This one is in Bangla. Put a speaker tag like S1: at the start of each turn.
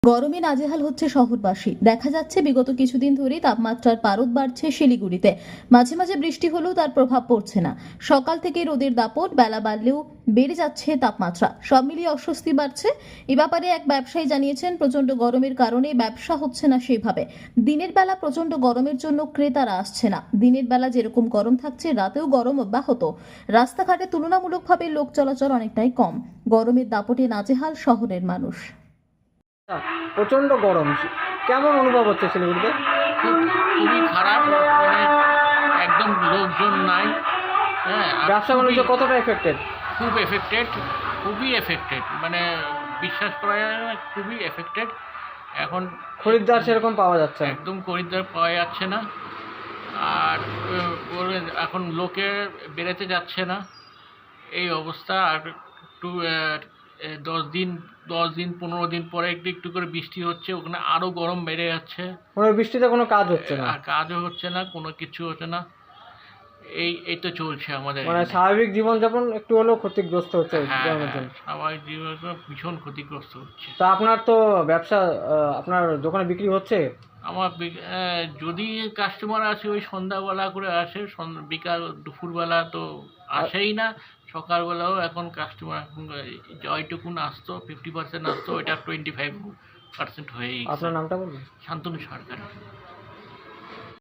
S1: গরমে নাজেহাল হচ্ছে শহরবাসী। দেখা যাচ্ছে বিগত কিছুদিন ধরেই তাপমাত্রার পারদ বাড়ছে শিলিগুড়িতে। মাঝে মাঝে বৃষ্টি হলেও তার প্রভাব পড়ছে না। সকাল থেকে রোদের দাপট, বেলা বাড়লেও বেড়ে যাচ্ছে তাপমাত্রা। সব মিলিয়ে অস্বস্তি বাড়ছে। এ ব্যাপারে এক ব্যবসায়ী জানিয়েছেন, প্রচন্ড গরমের কারণে ব্যবসা হচ্ছে না সেভাবে। দিনের বেলা প্রচন্ড গরমের জন্য ক্রেতারা আসছে না। দিনের বেলা যেরকম গরম থাকছে, রাতেও গরম অব্যাহত। রাস্তাঘাটে তুলনামূলকভাবে লোক চলাচল অনেকটাই কম। গরমের দাপটে নাজেহাল শহরের মানুষ।
S2: প্রচন্ড গরম কেমন অনুভব হচ্ছে শিলিগুড়িতে?
S3: খুবই খারাপ, মানে একদম লোকজন নাই। হ্যাঁ, আর
S2: ব্যবসা বাণিজ্য কতটা এফেক্টেড?
S3: খুবই এফেক্টেড, মানে বিশ্বাস করা যায় না, খুবই এফেক্টেড। এখন
S2: খরিদ্দার সেরকম পাওয়া যাচ্ছে না।
S3: একদম খরিদ্দার পাওয়া যাচ্ছে না। আর এখন লোকে বেরোতে যাচ্ছে না, এই অবস্থা। আর একটু 10 দিন 15 দিন পরে একটু একটু করে বৃষ্টি হচ্ছে, ওখানে আরও গরম বেড়ে যাচ্ছে।
S2: মানে বৃষ্টিতে কোনো কাজ হচ্ছে না,
S3: আর কাজও হচ্ছে না, কোনো কিছু হচ্ছে না। এই তো চলছে আমাদের
S2: মানে
S3: এখানে।
S2: স্বাভাবিক জীবনযাপন একটু হলেও ক্ষতিগ্রস্ত হচ্ছে
S3: হ্যাঁ,
S2: গরমের জন্য।
S3: স্বাভাবিক জীবন ভীষণ ক্ষতিগ্রস্ত হচ্ছে।
S2: তা আপনার তো ব্যবসা, আপনার দোকানে বিক্রি হচ্ছে?
S3: আমার যদি কাস্টমার আসে ওই সন্ধ্যাবেলা করে আসে, বিকাল দুপুরবেলা তো আসেই না। সকালবেলাও এখন কাস্টমার জয়টুকুন আসতো, 50% আসতো, ওইটা 25% হয়েই গেছে।
S2: আপনার নামটা বলবেন?
S3: শান্তনু সরকার।